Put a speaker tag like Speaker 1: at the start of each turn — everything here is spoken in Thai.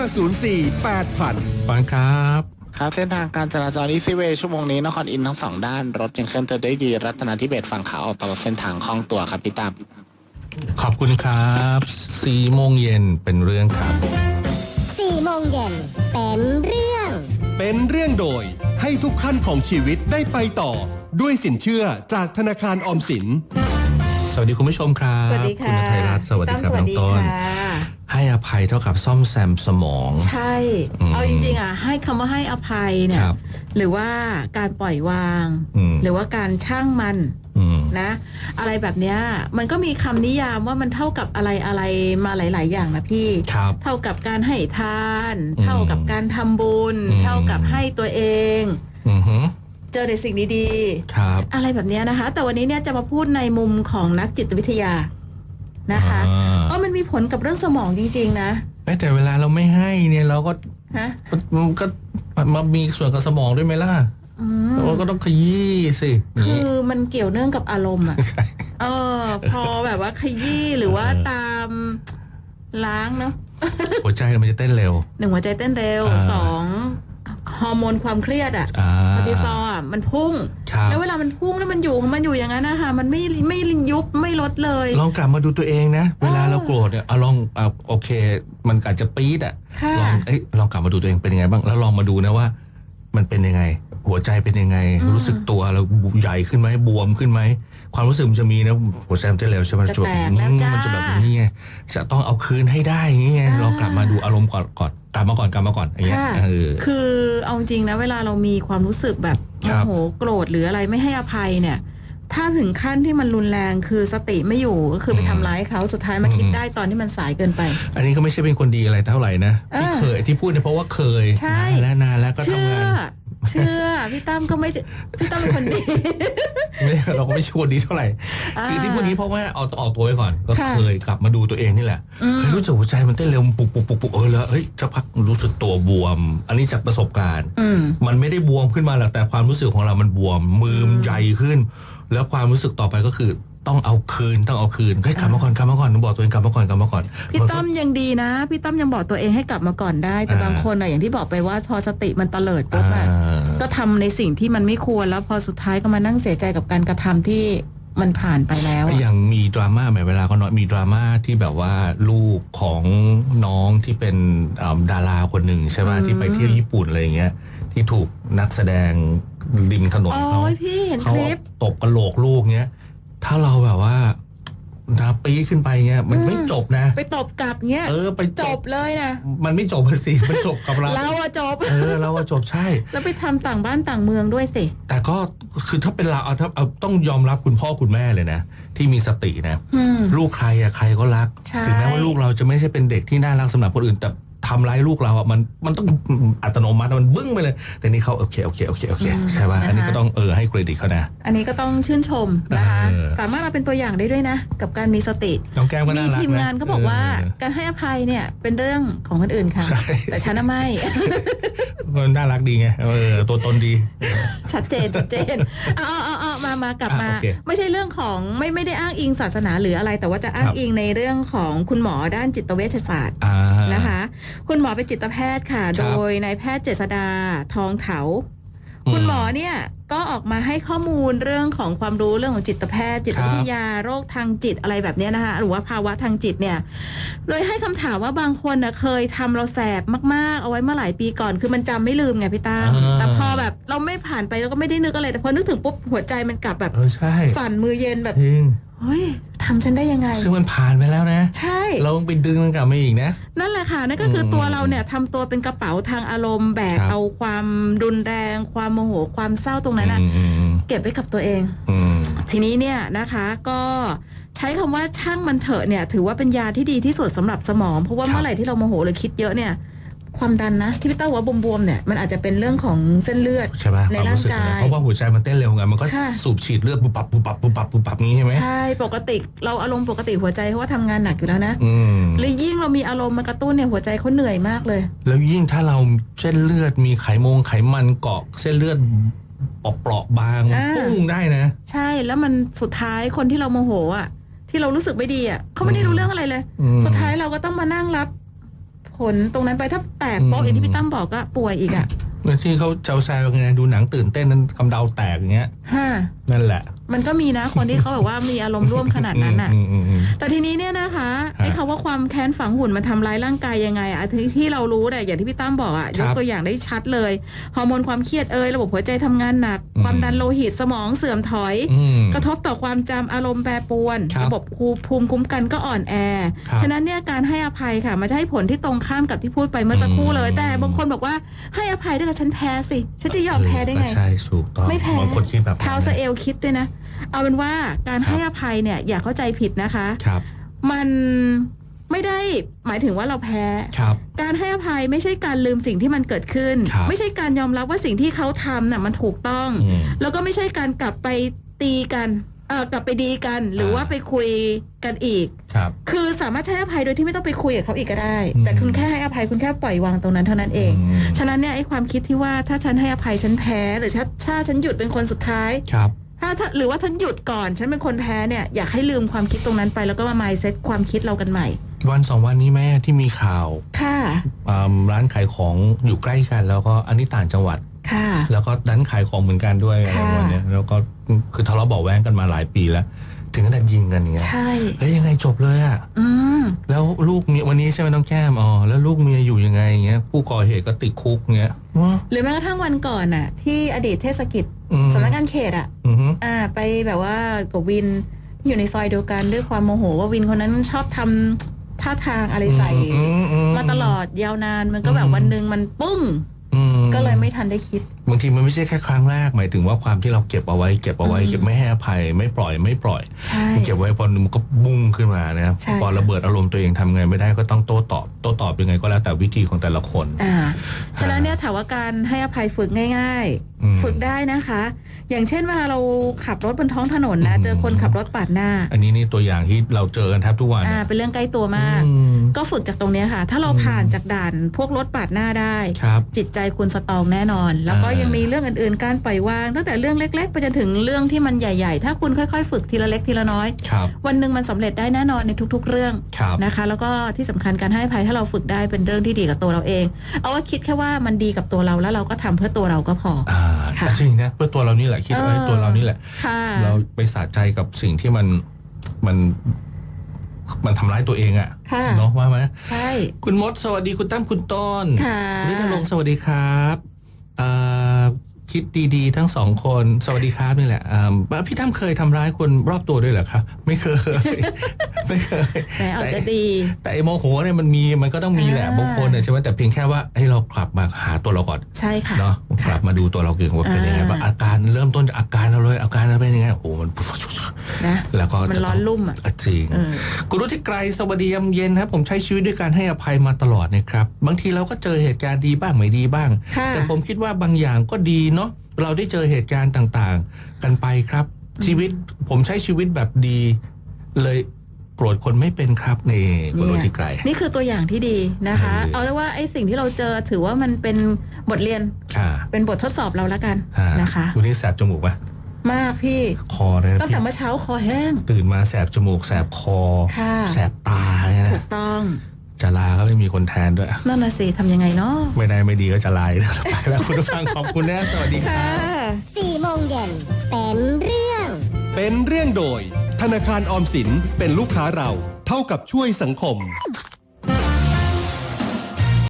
Speaker 1: ปอนครับ
Speaker 2: ครับเส้นทางการจราจรอีซีเวย์ชั่วโมงนี้นครอินทร์ทั้งสองด้านรถยังเคลื่อนตัวได้ดีรัตนาธิเบศฝั่งขาออกตลอดเส้นทางคล่องตัวครับพี่ตั้ม
Speaker 1: ขอบคุณครับ4 โมงเย็นเป็นเรื่องครับ
Speaker 3: 4 โมงเย็นเป็นเรื่อง
Speaker 4: โดยให้ทุกขั้นของชีวิตได้ไปต่อด้วยสินเชื่อจากธนาคารออมสิน
Speaker 1: สวัสดีคุณผู้ชมครับ
Speaker 5: สวัสดีค่ะ
Speaker 1: คุณไทยรัฐสวัสดีครับน้องต้นให้อภัยเท่ากับซ่อมแซมสมอง
Speaker 5: ใช่เอาจริงๆอ่ะให้คำว่าให้อภัยเนี่ยหรือว่าการปล่อยวางหรือว่าการช่างมันนะอะไรแบบเนี้ยมันก็มีคำนิยามว่ามันเท่ากับอะไรมาหลายๆอย่างนะพี่เท่ากับการให้ทานเท่ากับการทำบุญเท่ากับให้ตัวเองเจอในสิ่งดีๆอะไรแบบนี้นะคะแต่วันนี้เนี่ยจะมาพูดในมุมของนักจิตวิทยานะคะมันมีผลกับเรื่องสมองจริงๆนะ
Speaker 1: แต่เวลาเราไม่ให้เนี่ยเราก็ก็มามีส่วนกับสมองด้วยไหมล่ะเราก็ต้องขยี้สิ
Speaker 5: คือมันเกี่ยวเนื่องกับอารมณ์อ่ะพอแบบว่าขยี้หรือว่าตามล้างเนาะ
Speaker 1: หัวใจมันจะเต้นเร็ว
Speaker 5: 1หัวใจเต้นเร็ว2ฮอร์โมนความเครียดคอร์ติซอลมันพุ่งแล้วเวลามันพุ่งแล้วมันอยู่ของมันอยู่อย่างนั้นนะคะมันไม่ยุบไม่ลดเลย
Speaker 1: ลองกลับมาดูตัวเองนะเวลาเราโกรธเนี่ยลองโอเคมันอาจจะปี๊ดลองกลับมาดูตัวเองเป็นยังไงบ้างแล้วลองมาดูนะว่ามันเป็นยังไงหัวใจเป็นยังไงรู้สึกตัวเราใหญ่ขึ้นไหมบวมขึ้นไหมความรู้สึกมันจะมีนะหัวใจเต้นเร็วใช่ไหมมันจะแบบนี้ไงจะต้องเอาคืนให้ได้อย่างเงี้ยลองกลับมาดูอารมณ์ก่อนกลับมาก่อนอย่างเงี้ย
Speaker 5: คือเอาจริงนะเวลาเรามีความรู้สึกแบบโมโหโกรธหรืออะไรไม่ให้อภัยเนี่ยถ้าถึงขั้นที่มันรุนแรงคือสติไม่อยู่ก็คือไปทำร้ายเขาสุดท้ายมาคิดได้ตอนที่มันสายเกินไป
Speaker 1: อันนี้ก็ไม่ใช่เป็นคนดีอะไรเท่าไหร่นะที่พูดเนี่ยเพราะว่าเคยนานแล้วก็ทำงาน
Speaker 5: เชื่อพี่ตั้มก็ไม่พี่ตั้มเป็นคนดี
Speaker 1: ไม่เราก็ไม่ใช่คนดีเท่าไหร่คือที่พูดนี้เพราะว่าเอาออกตัวไว้ก่อนก็เคยกลับมาดูตัวเองนี่แหละรู้สึกหัวใจมันเต้นเร็วปุกแล้วจะพักรู้สึกตัวบวมอันนี้จากประสบการณ์มันไม่ได้บวมขึ้นมาหรอกแต่ความรู้สึกของเรามันบวมมือใหญ่ขึ้นแล้วความรู้สึกต่อไปก็คือต้องเอาคืนให้กลับมาก่อนต้องบอกตัวเองกลับมาก่อน
Speaker 5: พี่ต้อมยังดีนะพี่ต้อมยังบอกตัวเองให้กลับมาก่อนได้แต่บางคนอย่างที่บอกไปว่าพอสติมันเตลิดปุ๊บก็ทำในสิ่งที่มันไม่ควรแล้วพอสุดท้ายก็มานั่งเสียใจกับการกระทำที่มันผ่านไปแล้ว
Speaker 1: อย่างมีดราม่าเวลาก็มีดราม่าที่แบบว่าลูกของน้องที่เป็นดาราคนหนึ่งใช่ไหมที่ไปเที่ยวญี่ปุ่นอะไรอย่างเงี้ยที่ถูกนักแสดงริมถนนเขาตบกระโหลกลูกเงี้ยถ้าเราแบบว่านาปีขึ้นไปเงี้ยมันไม่จบนะ
Speaker 5: ไปตบกลับเงี้ย
Speaker 1: ไป
Speaker 5: จบเลยนะ
Speaker 1: มันไม่จบสิมันจบกับเรา
Speaker 5: เราอะจบ
Speaker 1: เราอะจบใช่
Speaker 5: แล้วไปทำต่างบ้านต่างเมืองด้วยสิ
Speaker 1: แต่ก็คือถ้าเป็นเราเอาต้องยอมรับคุณพ่อคุณแม่เลยนะที่มีสตินะลูกใครอะใครก็รักถึงแม้ว่าลูกเราจะไม่ใช่เป็นเด็กที่น่ารักสำหรับคนอื่นแต่ทำร้ายลูกเราอ่ะมันต้องอัตโนมัติมันบึ้งไปเลยแต่นี่เขาโอเคใช่ป่ะอันนี้ก็ต้องให้เครดิตเขานะ
Speaker 5: อันนี้ก็ต้องชื่นชมนะคะสามารถเราเป็นตัวอย่างได้ด้วยนะกับการมีสติ
Speaker 1: น้องแก้มก็น่ารัก
Speaker 5: มีทีมงานก็บอกว่าการให้อภัยเนี่ยเป็นเรื่องของคนอื่นค่ะแต่ฉันไม่
Speaker 1: มันน่ารักดีไงตัวตนดี
Speaker 5: ชัดเจนมากลับมาไม่ใช่เรื่องของไม่ได้อ้างอิงศาสนาหรืออะไรแต่ว่าจะอ้างอิงในเรื่องของคุณหมอด้านจิตเวชศาสตร์นะคะคุณหมอเป็นจิตแพทย์ค่ะโดยนายแพทย์เจษฎาทองเถาคุณหมอเนี่ยก็ออกมาให้ข้อมูลเรื่องของความรู้เรื่องของจิตแพทย์จิตวิทยาโรคทางจิตอะไรแบบนี้นะคะหรือว่าภาวะทางจิตเนี่ยโดยให้คำถามว่าบางคนนะเคยทำเราแสบมากๆเอาไว้เมื่อหลายปีก่อนคือมันจำไม่ลืมไงพี่ตาแต่พอแบบเราไม่ผ่านไปเราก็ไม่ได้นึกอะไรแต่พอนึกถึงปุ๊บหัวใจมันกลับแบบสั่นมือเย็นแบบเฮ้ยทำฉันได้ยังไง
Speaker 1: ซึ่งมันผ่านไปแล้วนะ
Speaker 5: ใช่
Speaker 1: เราต้องไปดึงมันกลับมาอีกนะ
Speaker 5: นั่นแหละค่ะนั่นก็คือตัวเราเนี่ยทำตัวเป็นกระเป๋าทางอารมณ์แบกเอาความรุนแรงความโมโหความเศร้าตรงนั้นนะเก็บไว้กับตัวเองทีนี้เนี่ยนะคะก็ใช้คำว่าช่างมันเถอะเนี่ยถือว่าเป็นยาที่ดีที่สุดสำหรับสมองเพราะว่าเมื่อไหร่ที่เราโมโหหรือคิดเยอะเนี่ยความดันนะที่พี่เต้าว่าบวมๆเนี่ยมันอาจจะเป็นเรื่องของเส้นเลือดในร่างกาย
Speaker 1: เพราะว่าหัวใจมันเต้นเร็วไงมันก็สูบฉีดเลือดปุบปับนี้ใช่ไหม
Speaker 5: ใช่ปกติเราอารมณ์ปกติหัวใจเขาว่าทำงานหนักอยู่แล้วนะแล้วยิ่งเรามีอารมณ์มากระตุ้นเนี่ยหัวใจเขาเหนื่อยมากเลย
Speaker 1: แล้วยิ่งถ้าเราเส้นเลือดมีไขมันเกาะเส้นเลือดเปราะบางปุ้งได้นะ
Speaker 5: ใช่แล้วมันสุดท้ายคนที่เราโมโหอ่ะที่เรารู้สึกไม่ดีอ่ะเขาไม่ได้รู้เรื่องอะไรเลยสุดท้ายเราก็ต้องมานั่งรับผผลตรงนั้นไปถ้าแตกโป๊ะอย่างที่พี่ตั้มบอกก็ป่วยอีกอ่ะ
Speaker 1: แล้วที่เขาแซวๆไงดูหนังตื่นเต้นนั้นกำเดาแตกอย่างเงี้ย
Speaker 5: ฮะ
Speaker 1: นั่นแหละ
Speaker 5: มันก็มีนะคนที่เขาแบบว่ามีอารมณ์ร่วมขนาดนั้นอ่ะ แต่ทีนี้เนี่ยนะคะไอ้คำว่าความแค้นฝังหุ่นมันทำร้ายร่างกายยังไงอะที่เรารู้เนี่ยอย่างที่พี่ตั้มบอกอะยกตัวอย่างได้ชัดเลยฮอร์โมนความเครียดระบบหัวใจทำงานหนัก ความดันโลหิตสมองเสื่อมถอย กระทบต่อความจำอารมณ์แปรปรวนระบบภูมิคุ้มกันก็อ่อนแอฉะนั้นเนี่ยการให้อภัยค่ะมันจะให้ผลที่ตรงข้ามกับที่พูดไปเมื่อสักครู่เลยแต่บางคนบอกว่าให้อภัยด้วยกับฉันแพ้สิฉันจะยอมแพ้ได้ไง
Speaker 1: ใช่ถูกต้อง
Speaker 5: ไม่แพ้
Speaker 1: บางคนคิดแบบ
Speaker 5: เท้าสะเอลคิดด้วยนะเอาเป็นว่าการให้อภัยเนี่ยอย่าเข้าใจผิดนะคะ
Speaker 1: ครับ
Speaker 5: มันไม่ได้หมายถึงว่าเราแพ้
Speaker 1: ครับ
Speaker 5: การให้อภัยไม่ใช่การลืมสิ่งที่มันเกิดขึ้น
Speaker 1: ครับ
Speaker 5: ไม่ใช่การยอมรับว่าสิ่งที่เขาทำน่ะมันถูกต้อง แล้วก็ไม่ใช่การกลับไปตีกันกลับไปดีกันหรือว่าไปคุยกันอีก
Speaker 1: ครับ
Speaker 5: คือสามารถให้อภัยโดยที่ไม่ต้องไปคุยกับเขาอีกก็ได้ แต่คุณแค่ให้อภัยคุณแค่ปล่อยวางตรงนั้นเท่านั้นเอง ฉะนั้นเนี่ยไอ้ความคิดที่ว่าถ้าฉันให้อภัยฉันแพ้หรือถ้าฉันหยุดเป็นคนสุดท้าย
Speaker 1: ครับ
Speaker 5: ถ้าหรือว่าฉันหยุดก่อนฉันเป็นคนแพ้เนี่ยอยากให้ลืมความคิดตรงนั้นไปแล้วก็มา mindset ความคิดเรากันใหม่
Speaker 1: วันสองวันนี้แม่ที่มีข่าว
Speaker 5: ค่ะ
Speaker 1: ร้านขายของอยู่ใกล้กันแล้วก็อันนี้ต่างจังหวัด
Speaker 5: ค่ะ
Speaker 1: แล้วก็ร้านขายของเหมือนกันด้วยอะไร
Speaker 5: ค่ะ
Speaker 1: วันนี้แล้วก็คือทะเลาะเบาะแว้งกันมาหลายปีแล้ว ถึงขนาดยิงกันอย่างเงี้ย
Speaker 5: ใช่
Speaker 1: แล้วยังไงจบเลยอ่ะ แล้วลูกเมียวันนี้ใช่ไหมน้องแก้มแล้วลูกเมียอยู่ยังไงอย่างเงี้ยผู้ก่อเหตุก็ติดคุกเงี้ย
Speaker 5: หรือแม้กระทั่งวันก่อนน่ะที่อดีตเทศกิจสำนักงานเขตไปแบบว่ากับวินที่อยู่ในซอยเดียวกันด้วยความโมโหว่าวินคนนั้นชอบทำท่าทางอะไรใส่มาตลอดยาวนานมันก็แบบวันหนึ่งมันปุ้งก็เลยไม่ทันได้คิด
Speaker 1: บางทีมันไม่ใช่แค่ครั้งแรกหมายถึงว่าความที่เราเก็บเอาไว้เก็บไม่ให้อภัยไม่ปล่อย
Speaker 5: ใช่
Speaker 1: เก็บไว้พอมันก็บุ้งขึ้นมานะครับ
Speaker 5: ใช่
Speaker 1: พอระเบิดอารมณ์ตัวเองทำไงไม่ได้ก็ต้องโต้ตอบยังไงก็แล้วแต่วิธีของแต่ละคน
Speaker 5: ฉะนั้นเนี่ยถามว่าการให้อภัยฝึกง่ายๆฝึกได้นะคะ อย่างเช่นเวลาเราขับรถบนท้องถนนนะเจอคนขับรถปาดหน้า
Speaker 1: อันนี้นี่ตัวอย่างที่เราเจอกันแทบทุกวัน
Speaker 5: เป็นเรื่องใกล้ตัวมาก ก็ฝึกจากตรงเนี้ยค่ะ ถ้าเราผ่านจากด่านพวกรถปาดหน้าได้
Speaker 1: ครับ
Speaker 5: จิตใจคุณสตรองแน่นอน แล้วก็ยังมีเรื่องอื่นๆการปล่อยวางตั้งแต่เรื่องเล็กๆไปจนถึงเรื่องที่มันใหญ่ๆถ้าคุณค่อยๆฝึกทีละเล็กทีละน้อย
Speaker 1: ครับ
Speaker 5: วันหนึ่งมันสำเร็จได้แน่นอนในทุกๆเรื่อง
Speaker 1: ครับ
Speaker 5: นะคะ แล้วก็ที่สำคัญการให้อภัยถ้าเราฝึกได้เป็นเรื่องที่ดีกับตัวเราเอง เอาว่าคิดแค่ว่ามันดีกับตัวเราแล้วเราก็ทำเพื่อตัวเราก็พอ ค่ะ
Speaker 1: จริงนะเพื่อตัวเรานี่แหละคิดไว้ตัวเรานี่แหละ
Speaker 5: ค่ะ
Speaker 1: เราไปสะใจกับสิ่งที่มันทำร้ายตัวเองอะ
Speaker 5: ค่ะ
Speaker 1: เนาะว่าไหม
Speaker 5: ใช่
Speaker 1: คุณมดสวัสดีคุณตั้มคุณต้น
Speaker 5: ค่ะ
Speaker 1: ณฤทธรงค์สวัสดีครับคิดดีๆทั้งสองคนสวัสดีครับนี่แหละพี่ตั้มเคยทำร้ายคนรอบตัวด้วยเหรอครับไม่เคย ไม่เคย
Speaker 5: แต่อาจจะดี
Speaker 1: แต่ไอ้โมโหเนี่ยมันก็ต้องมีแหละบางคนเนี่ยใช่ไหมแต่เพียงแค่ว่าให้เรากลับมาหาตัวเราก่อน
Speaker 5: ใช่ค่ะ
Speaker 1: เนาะกลับมาดูตัวเราเก่งว่าเป็นยังไงบ้างอาการเริ่มต้นจากอาการเราเลยอาการเราเป็นยังไงโอ้โหมัน
Speaker 5: นะ
Speaker 1: แล้วก็
Speaker 5: มันร้อนรุ่มอ่ะ
Speaker 1: จริงคุณรุธิไกรสวัสดียามเย็นครับผมใช้ชีวิตด้วยการให้อภัยมาตลอดนะครับบางทีเราก็เจอเหตุการณ์ดีบ้างไม่ดีบ้าง แต่ผมคิดว่าบางอย่างก็ดีเนาะเราได้เจอเหตุการณ์ต่างๆกันไปครับชีวิตผมใช้ชีวิตแบบดีเลยโกรธคนไม่เป็นครับนี่คุณรุธิไกร
Speaker 5: นี่คือตัวอย่างที่ดีนะคะ เอาเรียกว่าไอ้สิ่งที่เราเจอถือว่ามันเป็นบทเรียนเป็นบททดสอบเราแล้วกันนะคะ
Speaker 1: วันนี้แสบจมูกปะ
Speaker 5: มากพี่
Speaker 1: คอเลย
Speaker 5: ตั้งแต่เมื่อเช้าคอแห้ง
Speaker 1: ตื่นมาแสบจมูกแสบคอ
Speaker 5: ค่ะ
Speaker 1: แสบตาเนี่ย
Speaker 5: ถูกต้อง
Speaker 1: จะลาก็ไม่มีคนแทนด้วย
Speaker 5: นั่นน่ะสิทำยังไงเนาะ
Speaker 1: ไม่ได้ไม่ดีก็จะลายไปแล้วคุณผู้ฟังขอบคุณนะสวัสดีครับ
Speaker 3: 4 โมงเย็นเป็นเรื่อง
Speaker 4: เป็นเรื่องโดยธนาคารออมสินเป็นลูกค้าเราเท่ากับช่วยสังคม